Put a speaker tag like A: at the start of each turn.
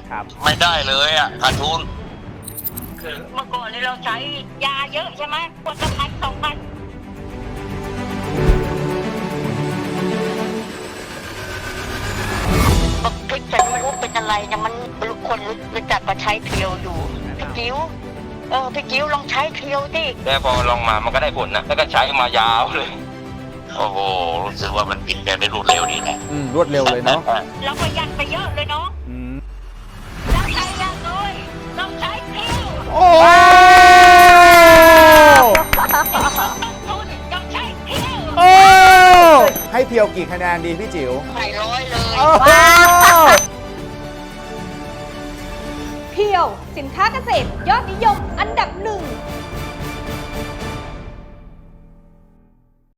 A: ครับ
B: ไม่ได้เลยอ่ะขาดทุน
C: เมื่อก่อนเราใช้ยาเยอะใช่ไหมขวดละ1,000 2,000บอกพริกฉันไม่รู้เป็นอะไรนะมันคนรู้จักมาใช้เทียวอยู่พี่กิ้วพี่กิ้วลองใช้เทียวดิ
B: แล้วพอลองมามันก็ได้ผลนะแล้วก็ใช้มายาวเลยโอ้โหรู้สึกว่ามันเปลี่ยนแปลงได้รวดเร็วดีนะ
A: รวดเร็วเลยเนาะ
C: เราประหยัดไปเยอะเลยเนาะเราใช้ยาเลยเราใช้เทียว
A: โอ้
C: ต้นทุนเราใช้เทียว
A: โอ้ให้เพียวกี่คะแนนดีพี่จิ๋ว
C: ใส่100เลย
A: โอ้โห
D: เพียวสินค้าเกษตรยอดนิยมอันดับหนึ่ง